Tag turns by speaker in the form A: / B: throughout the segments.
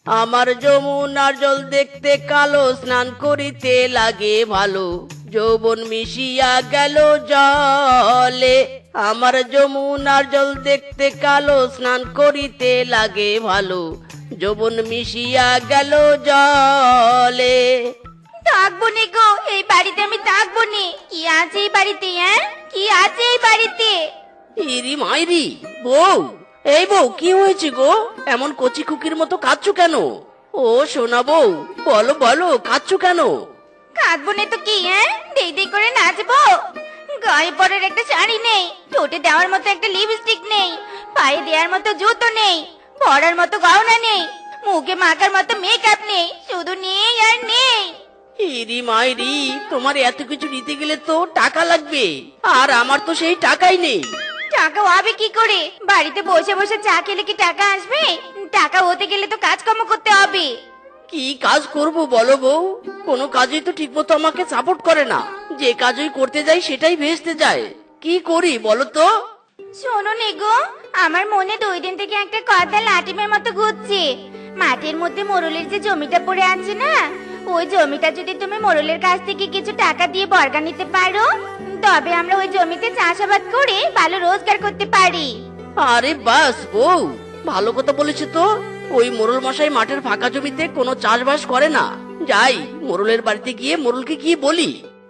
A: আমার যমুনার জল দেখতে কালো, স্নান করিতে লাগে ভালো, যৌবন মিশিয়া গেল জলে। আমার যমুনার জল দেখতে কালো, স্নান করিতে লাগে ভালো, যৌবন মিশিয়া গেল জলে।
B: থাকবো নে গো, এই বাড়িতে আমি থাকবো নে। কি আছে এই বাড়িতে? কি আছে এই বাড়িতে?
A: ইরি মাইরি বউ, এই বউ কি হয়েছে গো? এমন কচি খুকির মতো কাঁদছো কেন? ও সোনা বউ, বলো বলো, কাঁদছো কেন?
B: কাঁদবো নে তো কি? দেই দেই করে নাচবো? গায়ে পরার একটা শাড়ি নেই, ঠোঁটে দেওয়ার মতো একটা লিপস্টিক নেই, পায়ে দেওয়ার মতো জুতো নেই, পরার মতো গহনা নেই, মুখে মাখার মতো মেকআপ নেই, শুধু নেই আর নেই।
A: ইরি মাইরি, তোমার এত কিছু নিতে গেলে তো টাকা লাগবে, আর আমার তো সেই টাকাই নেই।
B: টাকা হবে কি করে? বাড়িতে বসে বসে চা খেলে কি টাকা আসবে? টাকা হতে গেলে তো কাজকর্ম করতে হবে।
A: কি কাজ করব বলো বউ? কোনো কাজই তো ঠিকমতো আমাকে সাপোর্ট করে না, যে কাজই করতে যাই সেটাই ভেস্তে যায়। কি করি বলো তো?
B: শোনো নে গো, আমার মনে 2 দিন থেকে একটা কথা লাটিমের মতো ঘুরছে। মাঠের মধ্যে মোরলের যে জমিটা পড়ে আছে না, ওই জমিটা যদি তুমি মোরলের কাছ থেকে কিছু টাকা দিয়ে বর্গা নিতে পারো, তবে আমরা ওই জমিতে চাষাবাদ করে ভালো রোজগার করতে পারি।
A: আরে বাস বউ, ভালো কথা বলেছো তো। ওই মোরল মশাই মাঠের ফাঁকা জমিতে কোনো চাষবাস করে না। যাই মোরলের বাড়িতে গিয়ে মোরলকে কি বলি।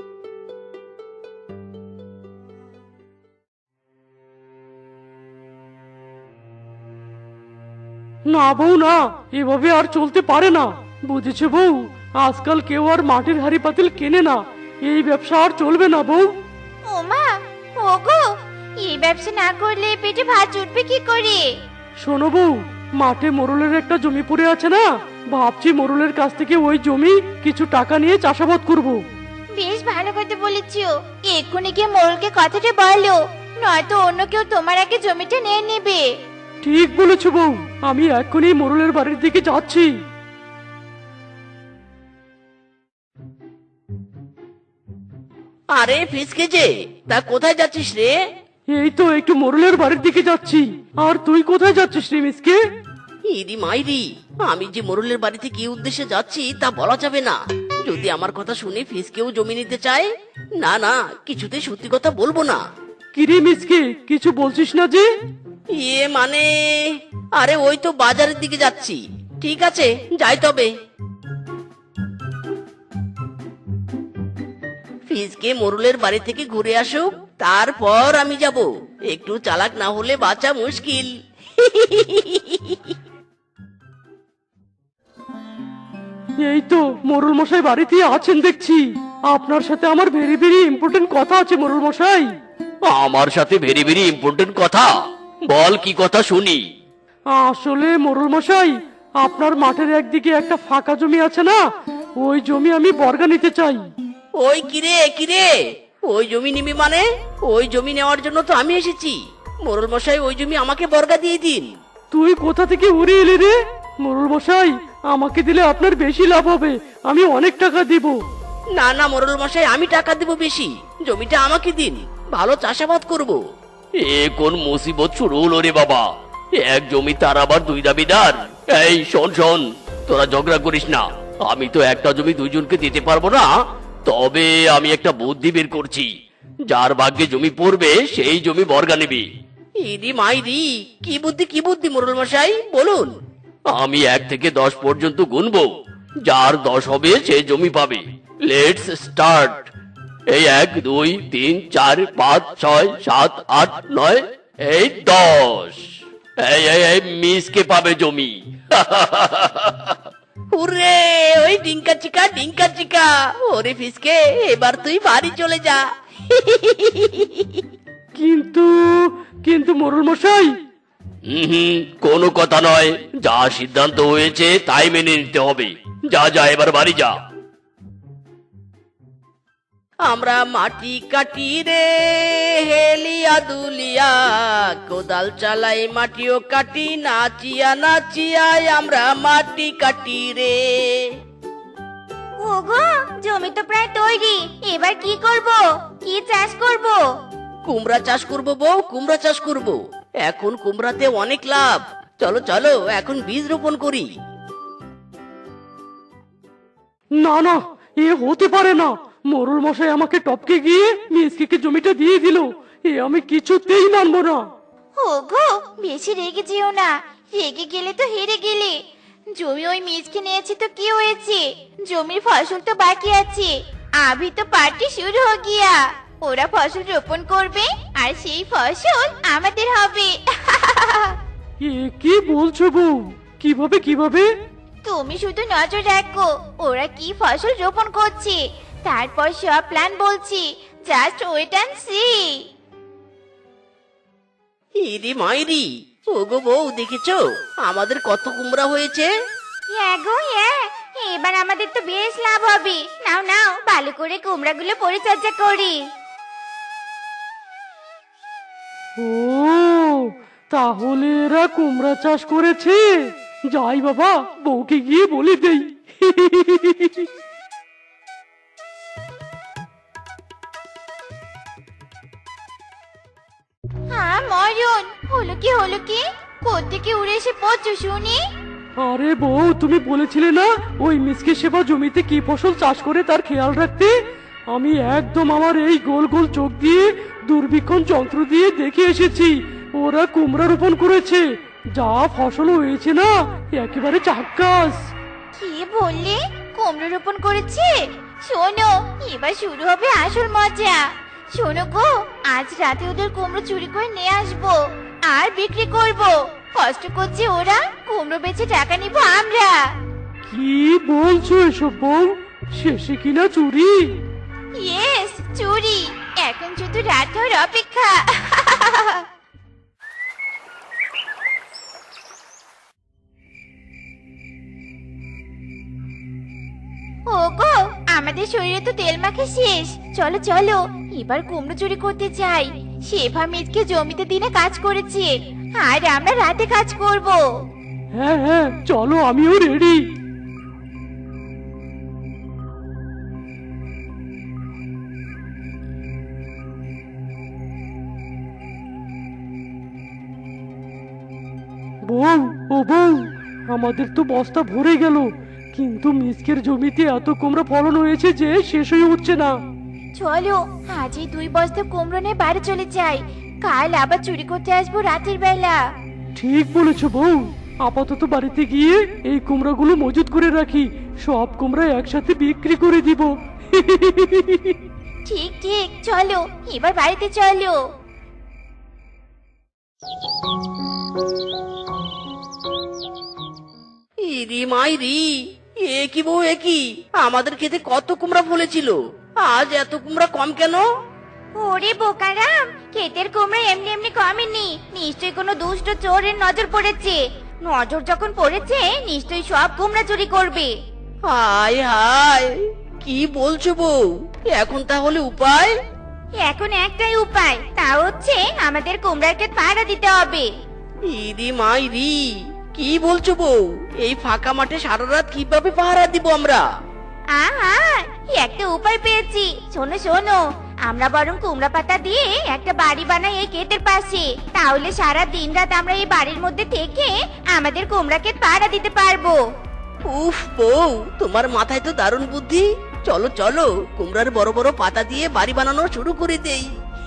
C: না বউ না, এভাবে আর চলতে পারে না। বুঝেছো বউ, আজকাল কেউ আর মাটির হাড়ি পাতিল কেনে না। এই ব্যবসা আর চলবে না বউ।
B: ওমা, ওগো, এই ব্যবসা না করলে পেটে ভাত জুটবে কি করে?
C: শোনো বউ, মাঠে মোরলের একটা জমি পড়ে আছে না, ভাবছি মোরলের কাছ থেকে ওই জমি কিছু টাকা নিয়ে চাষাবাদ করব।
B: বেশ ভালো কথা বলেছো। এক্ষুনি গিয়ে মোরলকে কথাটা বলো, নয়তো অন্য কেউ তোমার আগে জমিটা নিয়ে নেবে।
C: ঠিক বলেছো বউ, আমি এক্ষুনি মোরলের বাড়ির দিকে যাচ্ছি।
A: আরে ফিসকে যে, তা কোথায় যাচ্ছিস রে?
C: এই তো একটু মোরলের বাড়ির দিকে যাচ্ছি। আর তুই কোথায় যাচ্ছিস রে মিসকে?
A: ইরি মাইরি, আমি যে মোরলের বাড়িতে কি উদ্দেশ্যে যাচ্ছি তা বলা যাবে না। যদি আমার কথা শুনে ফিসকেও জমি নিতে চায়, না না, কিছুতে সত্যি কথা বলবো না।
C: কিরে মিসকে, কিছু বলছিস না যে?
A: ইয়ে মানে, আরে ওই তো বাজারের দিকে যাচ্ছি। ঠিক আছে, যাই তবে। ফিসকে মোরলের বাড়ি থেকে ঘুরে আসুক, তারপর আমি যাব। একটু চালাক না হলে বাঁচা মুশকিল।
C: এই তো মোরল মশাই বাড়িতে আছেন দেখছি। আপনার সাথে আমার ভেরি ভেরি ইম্পর্টেন্ট কথা আছে মোরল মশাই।
A: আমার সাথে ভেরি ভেরি ইম্পর্টেন্ট কথা? বল, কি কথা শুনি।
C: আসলে মোরল মশাই, আপনার মাঠের একদিকে একটা ফাঁকা জমি আছে না, ওই জমি আমি বর্গা নিতে চাই।
A: ওই কিরে কিরে, ওই জমি নিবি মানে? ওই জমি নেওয়ার জন্য তো আমি এসেছি। মোরল মশাই, ওই জমি আমাকে বর্গা দিয়ে দিন।
C: তুই কোথা থেকে উড়ে এলি রে? মোরল মশাই, আমাকে দিলে আপনার বেশি লাভ হবে, আমি অনেক টাকা দিব।
A: না না মোরল মশাই, আমি টাকা দেব বেশি, জমিটা আমাকে দিন, ভালো চাষাবাদ করব। এ কোন মুসিবত শুরু হলো রে বাবা? এক জমি তার আবার 2 দাবিদার। এই শোন শোন, তোরা ঝগড়া করিস না। আমি তো একটা জমি 2 জনকে দিতে পারবো না। তবে আমি একটা বুদ্ধি বের করছি, যার ভাগ্যে জমি পড়বে সেই জমি বর্গা নেবে। ইদি মাইরি, কি বুদ্ধি কি বুদ্ধি মোরল মশাই, বলুন। আমি 1 থেকে 10 পর্যন্ত গুনবো, যার 10 হবে সে জমি পাবে। Let's start. এই 1 2 3 4 5 6 7 8 9 এই 10। এই মিসকে পাবে জমি। হুররে, ওই ডিঙ্কা চিকা। ওরে ফিসকে, এবার তুই বাড়ি চলে যা।
C: কিন্তু কিন্তু মোরল মশাই,
A: কোনো কথা নয়, যা সিদ্ধান্ত হয়েছে তাই মেনে নিতে হবে। যা যা, এবার বাড়ি যা। আমরা মাটি কাটি রে হেলিয়া দুলিয়া, কোদাল চালাই মাটিও কাটি, নাচিয়া নাচিয়া আমরা মাটি কাটি রে।
B: ওগো, জমি তো প্রায় তৈরি, এবার কি করব? কি চাষ করব?
A: কুমড়া চাষ করবো বউ, কুমড়া চাষ করবো। এখন কুমড়াতে অনেক লাভ। চলো চলো, এখন বীজ রোপণ করি।
C: না না, এ হতে পারে না। মোরল মশাই আমাকে টপকে গিয়ে মিসকে জমিটা দিয়ে দিল। এ আমি কিছুতেই মানবো না।
B: ওগো, বেশি রেগে যেও না। রেগে গেলে তো হেরে গেলে। জমি ওই মিজকে নিয়েছে তো কি হয়েছে? জমির ফসল তো বাকি আছে। আভি তো পার্টি শুরু হয়ে গিয়া। ওরা ফসল রোপণ করবে আর সেই ফসল আমাদের হবে।
C: এ কি বলছো বউ? কিভাবে কিভাবে?
B: তুমি শুধু নজর রাখো ওরা কি ফসল রোপণ করছে, তারপর সব প্ল্যান বলছি। Just wait and see.
A: ইরি মাইরি, ওগো বউ দেখেছো আমাদের কত কুমড়া হয়েছে?
B: হ্যাঁ গো হ্যাঁ, এবার আমাদের তো বেশ লাভ হবে। নাও নাও, ভালো করে কুমড়াগুলো পরিচর্যা করি।
C: ও, তাহলে এরা কুমড়া চাষ করেছে। যাই বাবা, বউকে গিয়ে বলে দেই।
B: হ্যাঁ ময়ূন, হলো কি কোত্থেকে উড়ে এসে পড়ছো শুনি?
C: আরে বউ, তুমি বলেছিলে না ওই মিসকে সেবা জমিতে কি ফসল চাষ করে তার খেয়াল রাখতে। আমি একদম আমার এই গোল গোল চোখ দিয়ে দূরবীক্ষণ যন্ত্র দিয়ে দেখে এসেছি। ওরা কুমড়া রোপণ করেছে। যা ফসল হয়েছে না, একেবারে চাক্কাস।
B: কি বললে? কুমড়ো রোপণ করেছে? শোনো, এবার শুরু হবে আসল মজা। শোনো গো, আজ রাতে ওদের কুমড়ো চুরি করে নিয়ে আসবো আর বিক্রি করব। কষ্ট করছে ওরা, কুমড়ো বেচে টাকা নিব আমরা।
C: কি বলছো এসব বউ? শেষে কিনা চুরি?
B: ইয়েস, চুরি। এখন শুধু রাত হওয়ার অপেক্ষা। ওগো, আমাদের শরীরে তো তেল মাখা শেষ। চলো চলো, এবার কুমড়ো চুরি করতে চাই। শেফা মিজকে জমিতে দিনে কাজ করেছে আর আমরা রাতে কাজ করব।
C: হ্যাঁ হ্যাঁ, চলো, আমিও রেডি। বউ, ও বউ, আমাদের তো বস্তা ভরে গেল, কিন্তু মিসকের জমিতে এত কুমড়া ফলন হয়েছে যে শেষ হয়ে উঠছে না।
B: চলো, আজ এই 2 বস্তা কুমড়ো নিয়ে বাড়ি চলে যাই। কাল আবার চুরি করতে আসবো রাতের বেলা।
C: ঠিক বলেছো বউ। আপাতত বাড়িতে গিয়ে এই কুমড়াগুলো মজুত করে রাখি। সব কুমড়া একসাথে বিক্রি করে দিব।
B: ঠিক ঠিক, চলো এবার বাড়িতে চলো।
A: ইরি মাইরি, এ কি বউ এ কি? আমাদের খেতে কত কুমড়া ফলেছিল, আজ এত কুমড়া কম কেন?
B: ওরে বোকারাম, ক্ষেতের কুমড়া এমনি এমনি কমেনি। নিশ্চয়ই কোনো দুষ্ট চোরের নজর পড়েছে। নজর যখন পড়েছে, নিশ্চয়ই সব কুমড়া চুরি করবে।
A: হায় হায়, কি বলছো বউ? এখন তাহলে উপায়?
B: এখন একটাই উপায়, তা হচ্ছে আমাদের কুমড়ার ক্ষেত পাহারা দিতে হবে।
A: ইরি মাইরি, কি বলছো বউ? এই ফাঁকা মাঠে সারা রাত কিভাবে পাহারা দিব আমরা?
B: আহা, একটা উপায় পেয়েছি। শোনো শোনো, আমরা বরং কুমড়া পাতা দিয়ে একটা বাড়ি বানাই এই ক্ষেতের পাশে। তাহলে সারা দিন রাত আমরা এই বাড়ির মধ্যে থেকে আমাদের কুমড়া ক্ষেত পাহারা দিতে পারবো।
A: উফ বউ, তোমার মাথায় তো দারুণ বুদ্ধি। চলো চলো, কুমড়ার বড় বড় পাতা দিয়ে বাড়ি বানানো শুরু করে দেই।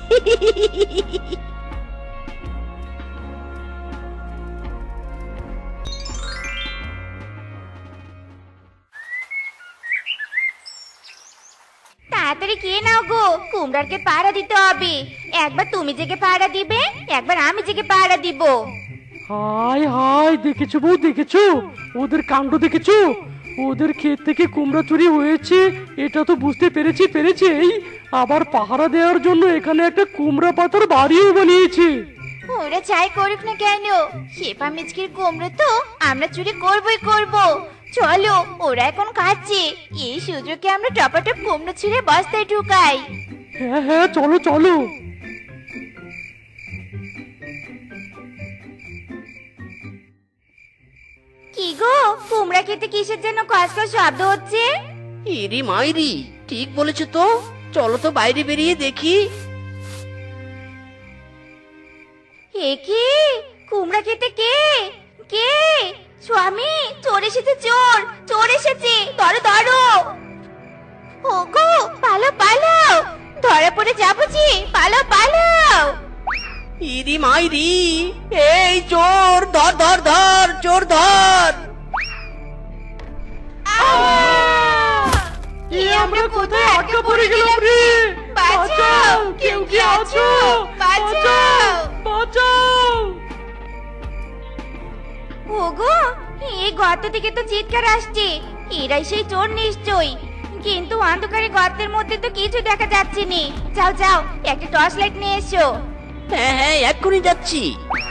B: তাড়াতাড়ি খেয়ে নাও গো, কুমড়ার ক্ষেত পাহারা দিতে হবে। একবার তুমি জেগে পাহারা দিবে, একবার আমি জেগে পাহারা দিব।
C: হায় হায়, দেখেছো বউ, দেখেছো ওদের কাণ্ড? দেখেছো ওদের ক্ষেত থেকে কুমড়া চুরি হয়েছে, এটা তো বুঝতে পেরেছেই। আবার পাহারা দেওয়ার জন্য এখানে একটা কুমড়া পাতার বাড়িও বানিয়েছে।
B: ওরা চাই করুক না কেন, শেফা মিচকির কুমড়ো তো আমরা চুরি করবই করব। চলো, ওরা এখন খাচ্ছে, এই সুযোগে আমরা টপাটপ কুমড়ো ছিঁড়ে বস্তায় ঢুকাই।
C: হ্যাঁ হ্যাঁ, চলো চলো।
B: কি গো, কুমড়া খেতে কিসের জন্য কসকস শব্দ হচ্ছে?
A: ইরি মাইরি, ঠিক বলেছো তো। চলো তো বাইরে বেরিয়ে দেখি।
B: এ কি, কুমড়া খেতে কে? কে? স্বামী, চোর এসেছে, চোর চোর এসেছে, ধরো ধরো। পালাও ধরা পড়ে যাবো যে পালাও পালাও
A: ইরি মাইরি, এই চোর, ধর ধর ধর, চোর ধর।
C: আমরা কোথায় আটকা পড়ে গেলাম রে?
B: বাঁচাও, কেউ কি আছো? বাঁচাও।
C: বাঁচাও!
B: ওগো এই গর্ত থেকে তো চিৎকার আসছে, এরাই সেই চোর নিশ্চয়ই। কিন্তু অন্ধকারে গর্তের মধ্যে তো কিছু দেখা যাচ্ছে না। যাও যাও, একটা টর্চ লাইট নিয়ে এসো।
A: হ্যাঁ হ্যাঁ, এক্ষুনি যাচ্ছি।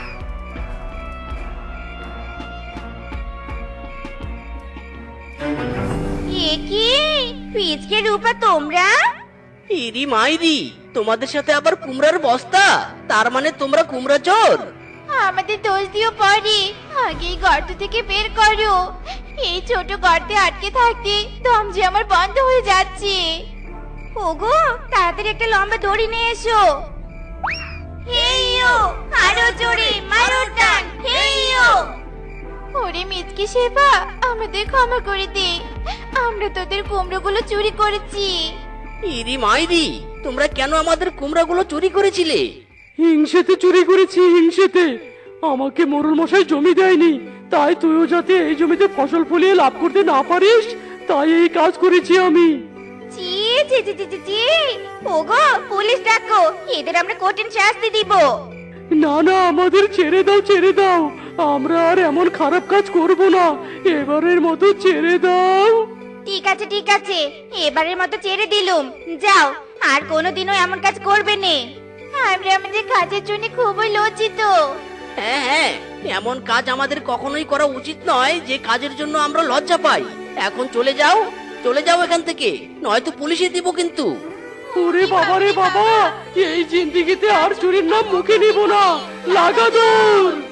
B: এ কি পিচকে রূপা তোমরা?
A: ইরি মাইরি, তোমাদের সাথে আবার কুমড়ার বস্তা? তার মানে তোমরা কুমড়া চোর?
B: আমাদের দোষ দিও পরে, আগে এই গর্ত থেকে বের করো। এই ছোট গর্তে আটকে থাকতে দম যে আমার বন্ধ হয়ে যাচ্ছে। ওগো তাড়াতাড়ি একটা লম্বা দড়ি নিয়ে এসো। হেইয়ো, আরো জোরে মারো টান, হেইয়ো। ওরে মিচকে শেফা, আমাদের ক্ষমা করে দে, আমরা তোদের কুমড়োগুলো চুরি করেছি।
A: ইরি মাইরি, তোমরা কেন আমাদের কুমড়াগুলো চুরি করেছিলে?
C: হিংসেতে চুরি করেছি, হিংসেতে। আমাকে মোরল মশাই জমি দেয়নি, তাই তুইও যাতে এই জমিতে ফসল ফলিয়ে লাভ করতে না পারিস, তাই এই কাজ করেছি আমি।
B: চি চি চি চি চি চি। ওগো পুলিশ ডাকো, এদের আমরা কঠিন শাস্তি দিব।
C: না না, আমাদের ছেড়ে দাও, ছেড়ে দাও। আমরা আর এমন খারাপ কাজ করব না, এবারের মতো ছেড়ে দাও।
B: ঠিক আছে ঠিক আছে, এবারের মতো ছেড়ে দিলুম। যাও, আর কোনোদিনও এমন কাজ করবে না। আমরা আমাদের কাজের জন্য খুবই লজ্জিত।
A: হ্যাঁ হ্যাঁ, এমন কাজ আমাদের কখনোই করা উচিত নয় যে কাজের জন্য আমরা লজ্জা পাই। এখন চলে যাও, চলে যাও এখান থেকে, নয়তো পুলিশে দিব কিন্তু।
C: ওরে বাবা রে বাবা, এই জিন্দিগিতে আর চুরির নাম মুখে নিব না। লাগা দৌড়।